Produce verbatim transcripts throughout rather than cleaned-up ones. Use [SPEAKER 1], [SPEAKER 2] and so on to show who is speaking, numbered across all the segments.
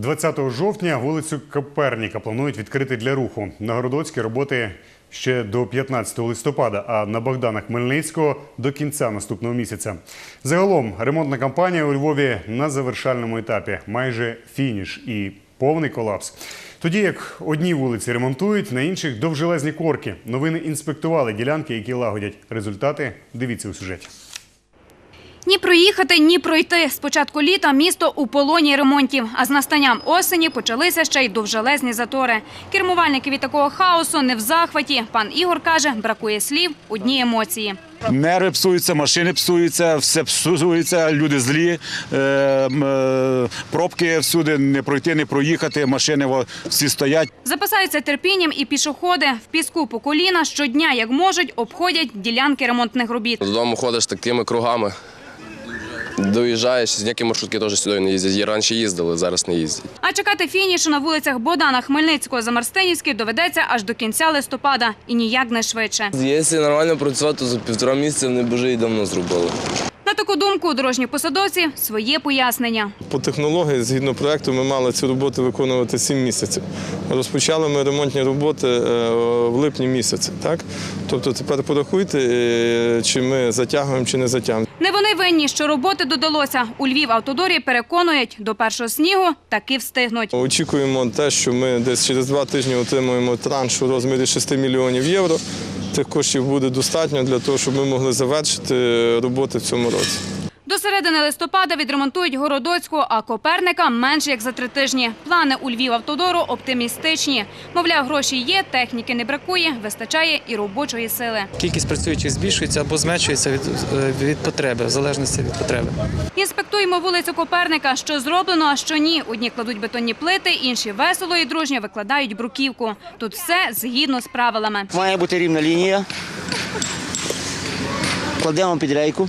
[SPEAKER 1] двадцятого жовтня вулицю Коперніка планують відкрити для руху. На Городоцькій роботи ще до п'ятнадцятого листопада, а на Богдана Хмельницького – до кінця наступного місяця. Загалом ремонтна кампанія у Львові на завершальному етапі. Майже фініш і повний колапс. Тоді як одні вулиці ремонтують, на інших – довжелезні корки. Новини інспектували ділянки, які лагодять. Результати дивіться у сюжеті.
[SPEAKER 2] Ні проїхати, ні пройти. З початку літа місто у полоні ремонтів, а з настанням осені почалися ще й довжелезні затори. Кермувальники від такого хаосу не в захваті. Пан Ігор каже, бракує слів, одні емоції.
[SPEAKER 3] Нерви псуються, машини псуються, все псується, люди злі, е, е, пробки всюди, не пройти, не проїхати, машини всі стоять.
[SPEAKER 2] Запасаються терпінням і пішоходи. В піску по коліна щодня, як можуть, обходять ділянки ремонтних робіт.
[SPEAKER 4] Додому ходиш такими кругами. Доїжджаєш, ніякі маршрутки теж сюди не їздять. Раніше їздили, зараз не їздять.
[SPEAKER 2] А чекати фінішу на вулицях Богдана Хмельницького за Марстинівський доведеться аж до кінця листопада. І ніяк не швидше.
[SPEAKER 4] Якщо нормально працювати, то за півтора місяця вони б вже і давно зробили.
[SPEAKER 2] На таку думку у дорожніх посадовців своє пояснення.
[SPEAKER 5] По технології, згідно проєкту, ми мали ці роботи виконувати сім місяців. Розпочали ми ремонтні роботи в липні місяці. Так? Тобто тепер порахуйте, чи ми затягуємо, чи не затягуємо.
[SPEAKER 2] Не вони винні, що роботи додалося. У Львівавтодорі переконують, до першого снігу таки встигнуть.
[SPEAKER 5] Очікуємо те, що ми десь через два тижні отримуємо транш у розмірі шести мільйонів євро. Цих коштів буде достатньо для того, щоб ми могли завершити роботи в цьому році.
[SPEAKER 2] До середини листопада відремонтують Городоцьку, а Коперника – менш як за три тижні. Плани у Львівавтодору оптимістичні. Мовляв, гроші є, техніки не бракує, вистачає і робочої сили.
[SPEAKER 6] Кількість працюючих збільшується або зменшується від, від потреби, в залежності від потреби.
[SPEAKER 2] Інспектуємо вулицю Коперника. Що зроблено, а що ні. Одні кладуть бетонні плити, інші весело і дружньо викладають бруківку. Тут все згідно з правилами.
[SPEAKER 7] Має бути рівна лінія. Кладемо під рейку,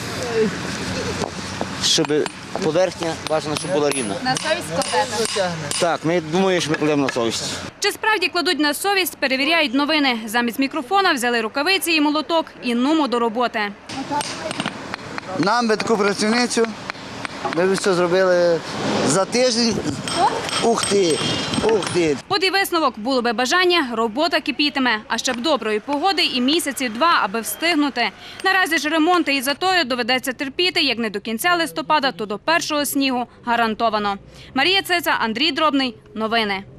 [SPEAKER 7] щоб поверхня, бажано, щоб була рівна.
[SPEAKER 2] На совість кладете?
[SPEAKER 7] Так, ми думаємо, що ми кладемо на совість.
[SPEAKER 2] Чи справді кладуть на совість, перевіряють новини. Замість мікрофона взяли рукавиці і молоток і нумо до роботи.
[SPEAKER 8] Нам би таку працівницю, ми б все зробили за тиждень. Ух ти, ух ти.
[SPEAKER 2] От і висновок. Було би бажання, робота кипітиме. А ще б доброї погоди і місяці два, аби встигнути. Наразі ж ремонти і затори доведеться терпіти, як не до кінця листопада, то до першого снігу гарантовано. Марія Цеца, Андрій Дробний. Новини.